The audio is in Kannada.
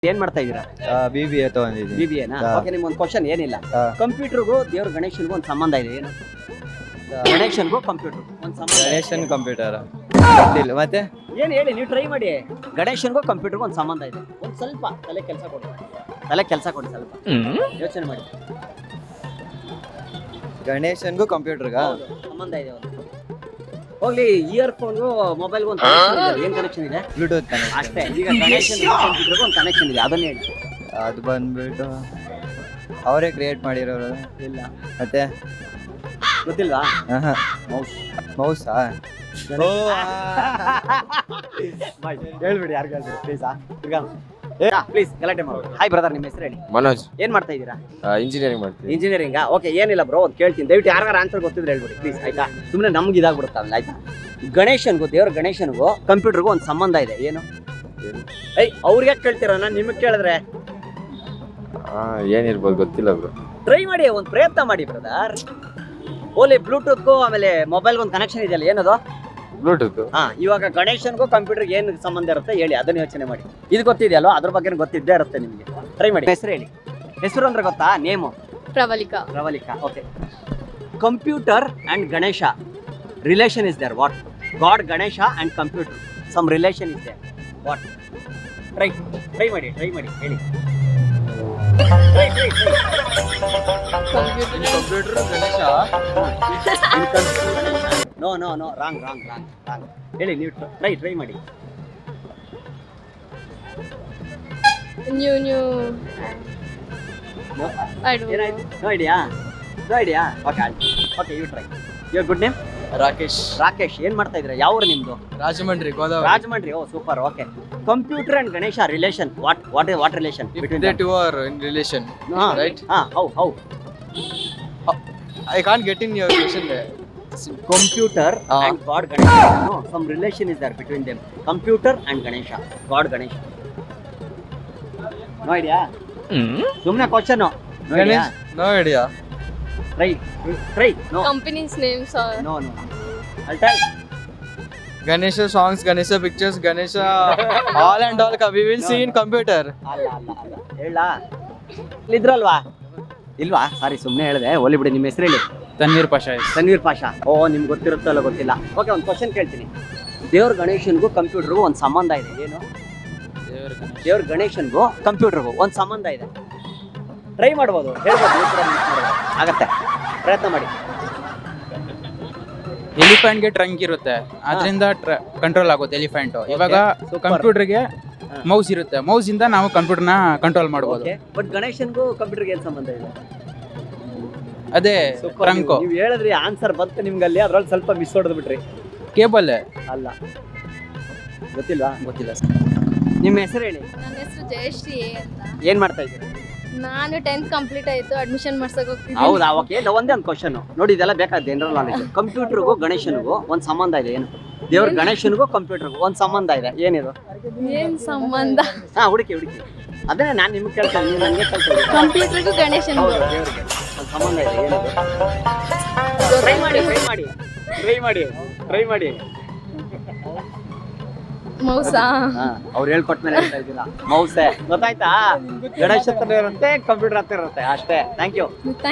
ಏನ್ ಮಾಡ್ತಾ ಇದೀರಾ? BBA ತಗೊಂಡಿದ್ದೀನಿ. BBA ನಾ? ಓಕೆ, ನಿಮ್ಗೊಂದು ಕ್ವಶನ್ ಏನಿಲ್ಲ. ಕಂಪ್ಯೂಟರ್ಗೂ ದೇವ್ರ ಗಣೇಶನ್ಗೂ ಒಂದು ಸಂಬಂಧ ಇದೆ. ಏನು? ಗಣೇಶನ್ಗೂ ಕಂಪ್ಯೂಟರ್ ಒಂದು ಸಂಬಂಧ. ಗಣೇಶನ್ ಕಂಪ್ಯೂಟರ್ ಗೊತ್ತಿಲ್ಲ. ಮತ್ತೆ ಏನ್ ಹೇಳಿ, ನೀವು ಟ್ರೈ ಮಾಡಿ. ಗಣೇಶನ್ಗೂ ಕಂಪ್ಯೂಟರ್ಗೂ ಒಂದು ಸಂಬಂಧ ಇದೆ. ಒಂದು ಸ್ವಲ್ಪ ತಲೆ ಕೆಲಸ ಕೊಡಿ, ಸ್ವಲ್ಪ ಯೋಚನೆ ಮಾಡಿ. ಗಣೇಶನ್ಗೂ ಕಂಪ್ಯೂಟರ್ಗ ಸಂಬಂಧ ಇದೆ. ಹೋಗ್ಲಿ, ಇಯರ್ಫೋನ್ಗೂ ಮೊಬೈಲ್ಗೂ ಒಂದು ಏನ್ ಕನೆಕ್ಷನ್ ಇದೆ? ಬ್ಲೂಟೂತ್ ಅಷ್ಟೇ. ಈಗ ಗಣೇಶನ್ಗೂ ಕಂಪ್ಯೂಟರ್ಗೂ ಒಂದು ಕನೆಕ್ಷನ್ ಇದೆ, ಅದನ್ನ ಹೇಳಿ. ಅದು ಬಂದ್ಬಿಟ್ಟು ಅವರೇ ಕ್ರಿಯೇಟ್ ಮಾಡಿರೋರು. ಇಲ್ಲ. ಮತ್ತೆ ಗೊತ್ತಿಲ್ವಾ? ಮೌಸ್. ಮೌಸಾ? ಹೇಳ್ಬಿಡಿ, ಯಾರು ಹೇಳ್ಬಿಡಿ ಪ್ಲೀಸ್. ಗಲಾಟೆ ಮಾಡೋದು. ಹಾಯ್ ಬ್ರದರ್, ನಿಮ್ಮ ಹೆಸರು ಹೇಳಿ. ಮನೋಜ್. ಏನ್ ಮಾಡ್ತಾ ಇದ್ದೀರಾ? ಇಂಜಿನಿಯರಿಂಗ್ ಮಾಡ್ತೀನಿ. ಇಂಜಿನಿಯರಿಂಗ್. ಓಕೆ, ಏನಿಲ್ಲ ಬ್ರೋ, ಒಂದು ಕೇಳ್ತೀನಿ. ದಯವಿಟ್ಟು ಯಾರಿಗಾರ ಆನ್ಸರ್ ಗೊತ್ತಿದ್ರೆ ಹೇಳ್ಬಿಡಿ ಪ್ಲೀಸ್, ಆಯ್ತಾ? ಸುಮ್ಮನೆ ನಮ್ಗೆ ಇದಾಗ್ಬಿಡುತ್ತಲ್ಲ, ಆಯ್ತಾ? ಗಣೇಶನ್ಗೂ ದೇವ್ರ ಗಣೇಶನ್ಗೂ ಕಂಪ್ಯೂಟರ್ಗೂ ಒಂದು ಸಂಬಂಧ ಇದೆ. ಏನು? ಅವ್ರಿಗೆ ಕೇಳ್ತೀರ, ನಾನು ನಿಮಗೆ ಕೇಳಿದ್ರೆ ಏನಿರ್ಬೋದು ಗೊತ್ತಿಲ್ಲ ಬ್ರೋ. ಟ್ರೈ ಮಾಡಿ, ಒಂದು ಪ್ರಯತ್ನ ಮಾಡಿ ಬ್ರದರ್. ಓಲಿ, ಬ್ಲೂಟೂತ್ಗೂ ಆಮೇಲೆ ಮೊಬೈಲ್ಗೂ ಒಂದು ಕನೆಕ್ಷನ್ ಇದೆಯಲ್ಲ, ಏನದು? ಬ್ಲೂಟೂತ್. ಇವಾಗ ಗಣೇಶನ್ಗೂ ಕಂಪ್ಯೂಟರ್ಗೆ ಏನು ಸಂಬಂಧ ಇರುತ್ತೆ ಹೇಳಿ, ಅದನ್ನ ಯೋಚನೆ ಮಾಡಿ. ಇದು ಗೊತ್ತಿದೆಯಲ್ಲೋ, ಅದ್ರ ಬಗ್ಗೆ ಗೊತ್ತಿದ್ದೇ ಇರುತ್ತೆ ನಿಮಗೆ. ಟ್ರೈ ಮಾಡಿ. ಹೆಸರು ಹೇಳಿ. ಹೆಸರು ಅಂದ್ರೆ ಗೊತ್ತಾ? Name? Pravalika. Okay. Computer and Ganesha relation is there. What? God Ganesha and computer some relation is there. What? Try ಮಾಡಿ ಹೇಳಿ. ಕಂಪ್ಯೂಟರ್ ಗಣೇಶ. No wrong. ಹೇಳಿ, ನೀವು ಟ್ರೈ ಮಾಡಿ. New. I don't know. No idea. Okay, you try. Your good name? Rakesh. ಏನ್ ಮಾಡ್ತಾ ಇದ್ದೀರಾ? ಯಾವ ಊರು ನಿಮ್ದು? Rajahmundry. Rajahmundry. Oh super. Okay. Computer and Ganesha relation. What relation between them? Two are in relation, right? How? I can't get in your question there. Computer and God Ganesha. No, some relation is there between them. Computer and Ganesha. God Ganesha. No idea? Sumna question. No idea? No idea. Try. No. Company's names are. No. I'll tell. Ganesha songs, Ganesha pictures, Ganesha all and all we will see in computer. ಅಲ್ಲ. ಹೇಳ. ಇದ್ರಲ್ವಾ? ಇಲ್ವಾ? ಸಾರಿ, ಸುಮ್ಮನೆ ಹೇಳಿದೆ. ಹೋಲಿ ಬಿಡಿ. ನಿಮ್ಮ ಹೆಸರು ಹೇಳಿ. ತನ್ವೀರ್ ಪಾಷಾ. ಓ, ನಿಮ್ಗೆ ಗೊತ್ತಿರುತ್ತೋ ಅಲ್ಲ ಗೊತ್ತಿಲ್ಲ. ಓಕೆ, ಒಂದು ಕ್ವಶನ್ ಕೇಳ್ತೀನಿ. ದೇವ್ರ ಗಣೇಶನ್ಗೂ ಕಂಪ್ಯೂಟರ್ಗೂ ಒಂದು ಸಂಬಂಧ ಇದೆ. ಏನು? ದೇವ್ರ ಗಣೇಶನ್ಗೂ ಕಂಪ್ಯೂಟರ್ಗೂ ಒಂದು ಸಂಬಂಧ ಇದೆ. ಟ್ರೈ ಮಾಡ್ಬೋದು, ಹೇಳ್ಬೋದು. ಆಗತ್ತೆ, ಪ್ರಯತ್ನ ಮಾಡಿ. ಎಲಿಫೆಂಟ್ಗೆ ಟ್ರಂಕ್ ಇರುತ್ತೆ, ಅದರಿಂದ ಕಂಟ್ರೋಲ್ ಆಗುತ್ತೆ ಎಲಿಫೆಂಟ್. ಇವಾಗ ಕಂಪ್ಯೂಟರ್ಗೆ ಮೌಸ್ ಇರುತ್ತೆ, ಮೌಸ್ ಇಂದ ನಾವು ಕಂಪ್ಯೂಟರ್ನ ಕಂಟ್ರೋಲ್ ಮಾಡ್ಬೋದು. ಬಟ್ ಗಣೇಶನ್ಗೂ ಕಂಪ್ಯೂಟರ್ಗೆ ಏನು ಸಂಬಂಧ ಇದೆ? ಅದೇ ಟ್ರಂಕ್. ನೀವು ಹೇಳಿದ್ರಿ, ಆನ್ಸರ್ ಬಂತು ನಿಮ್ಗಲ್ಲಿ, ಅದ್ರಲ್ಲಿ ಸ್ವಲ್ಪ ಮಿಸ್ ಹೊಡೆದು ಬಿಟ್ರಿ. ಕೇಬಲ್ ಅಲ್ಲ. ಗೊತ್ತಿಲ್ಲ. ನಿಮ್ಮ ಹೆಸರು ಹೇಳಿ. ನನ್ನ ಹೆಸರು ಜಯಶ್ರೀ ಅಂತ. ಏನ್ ಮಾಡ್ತಾ ಇದ್ದೀರಾ? ನಾನು 10th ಕಂಪ್ಲೀಟ್ ಆಯ್ತು, ಅಡ್ಮಿಷನ್ ಮಾಡ್ಸಕ್ ಹೋಗ್ತಿದ್ದೀನಿ. ಹೌದಾ? ಓಕೆ, ಒಂದೇ ಒಂದು ಕ್ವಶನ್ ನೋಡಿ, ಇದೆಲ್ಲ ಬೇಕಾದ ಜನರಲ್ ನಾಲೆಜ್. ಕಂಪ್ಯೂಟರ್ಗೂ ಗಣೇಶನ್ಗೂ ಒಂದು ಸಂಬಂಧ ಇದೆ. ಏನು? ದೇವ್ರ ಗಣೇಶನ್ಗೂ ಕಂಪ್ಯೂಟರ್ಗೂ ಒಂದು ಸಂಬಂಧ ಇದೆ. ಏನಿದು? ಏನ್ ಸಂಬಂಧ? ಹುಡುಕಿ. ಅದೇ ನಾನು ನಿಮ್ಗೆ ಕೇಳ್ತೇನೆ, ನೀವು ನನಗೆ ಕೇಳ್ತೇನೆ. ಕಂಪ್ಯೂಟರ್ಗೂ ಗಣೇಶನ್ಗೂ ದೇವ್ರಿಗೆ ಒಂದು ಸಂಬಂಧ ಇದೆ. ಏನಿದು? ಟ್ರೈ ಮಾಡಿ. ಮೌಸಾ? ಅವ್ರು ಹೇಳ್ಕೊಟ್ಟ ಮೇಲೆ ಹೇಳ್ತಾ ಇದ್ದೀರಾ. ಮೌಸೆ ಗೊತ್ತಾಯ್ತಾ? ಗಣೇಶ ಹತ್ರ ಇರುತ್ತೆ, ಕಂಪ್ಯೂಟರ್ ಹತ್ರ ಇರುತ್ತೆ, ಅಷ್ಟೇ. Thank you.